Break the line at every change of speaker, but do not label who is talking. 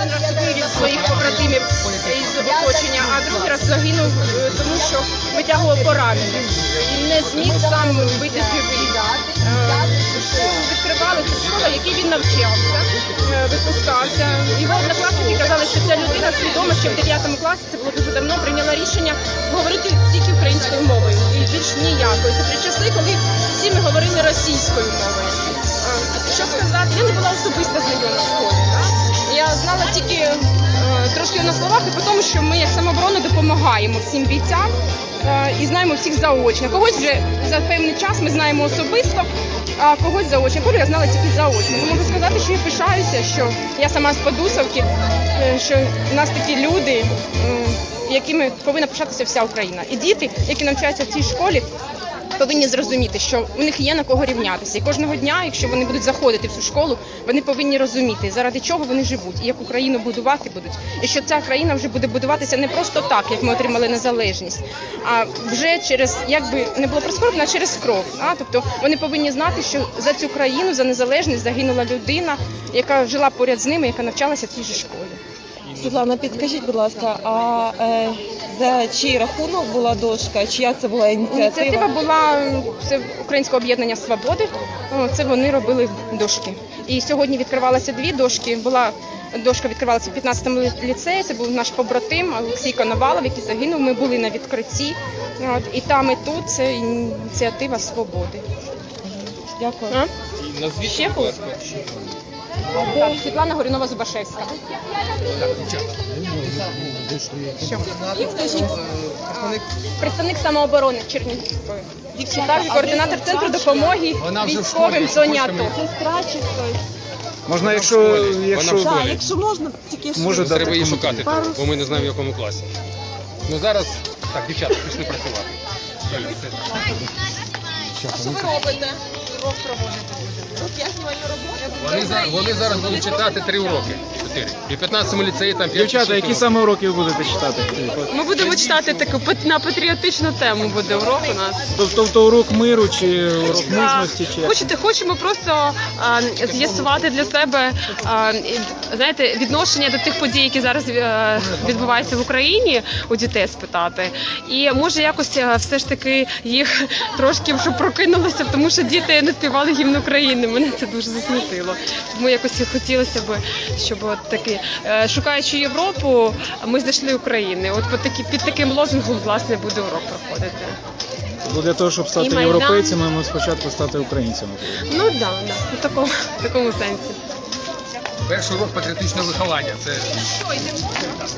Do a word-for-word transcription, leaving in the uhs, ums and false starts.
один раз вивів своїх побратимів із оточення, а другий раз загинув, тому що витягував поранених. І не зміг сам вийти живий. Відкривали цю школу, в якій він навчався, випускався. Його однокласники казали, що ця людина свідома, що в дев'ятому класі, це було дуже давно, прийняла рішення говорити тільки українською мовою і більш ніякою. Це при часи, коли всі ми говорили російською мовою. Що сказати, я не була особисто знайома в школі. Я знала тільки е, трошки на словах і по тому, що ми як самооборона допомагаємо всім бійцям е, і знаємо всіх заочно. Когось вже за певний час ми знаємо особисто, а когось заочно. Колю я знала тільки заочно. Тому можу сказати, що я пишаюся, що я сама з Подусовки, е, що в нас такі люди, е, якими повинна пишатися вся Україна. І діти, які навчаються в цій школі, повинні зрозуміти, що у них є на кого рівнятися. І кожного дня, якщо вони будуть заходити в цю школу, вони повинні розуміти, заради чого вони живуть, і як Україну будувати будуть. І що ця країна вже буде будуватися не просто так, як ми отримали незалежність, а вже через, як би не було прискорбно, а через кров. А? Тобто вони повинні знати, що за цю країну, за незалежність загинула людина, яка жила поряд з ними, яка навчалася в цій же школі.
Світлана, підкажіть, будь ласка, а е, за чий рахунок була дошка? Чия це була ініціатива?
Ініціатива була це Українського об'єднання «Свободи». Це вони робили дошки. І сьогодні відкривалися дві дошки. Була дошка відкривалася в п'ятнадцятому ліцеї. Це був наш побратим Олексій Коновалов, який загинув. Ми були на відкритті. От, і там, і тут це ініціатива «Свободи».
Дякую.
А?
Назвіть,
Ще
будь ласка.
Так, Світлана Горюнова-Зубашевська. Що? Представник самооборони Чернігівської. Також координатор центру допомоги військовим в зоні АТО.
Сестра чи хтось?
Можна, якщо, якщо,
Вона в
Так,
школі.
якщо можна, тільки
може дати
Треба її
коментар.
шукати, там, бо ми не знаємо, в якому класі. Ну зараз, так, дівчата, пішли працювати.
Що ви робите? Урок проводите. Я знімаю роботу.
Вони, за- вони зараз будуть читати три уроки. Чотири. І в п'ятнадцятому ліцеї там п'ять.
Дівчата, які саме уроки ви будете читати?
Ми будемо читати таку пат- на патріотичну тему буде урок у нас.
Тобто урок миру чи урок мужності? Чи як?
Хочете, хочемо просто а, з'ясувати для себе а, і, знаєте, відношення до тих подій, які зараз а, відбуваються в Україні, у дітей спитати. І може якось а, все ж таки їх трошки щоб прокинулося, тому що діти не співали гімн України. Мене це дуже засмутило. Тому якось хотілося б, щоб от таки, е, шукаючи Європу, ми знайшли Україну. От по такі, під таким лозунгом, власне, буде урок проходити.
Бо для того, щоб стати
І Майдан.
європейцями, ми спочатку стати українцями.
Ну так, да, да, в такому, в такому сенсі.
Перший урок патріотичного виховання. Це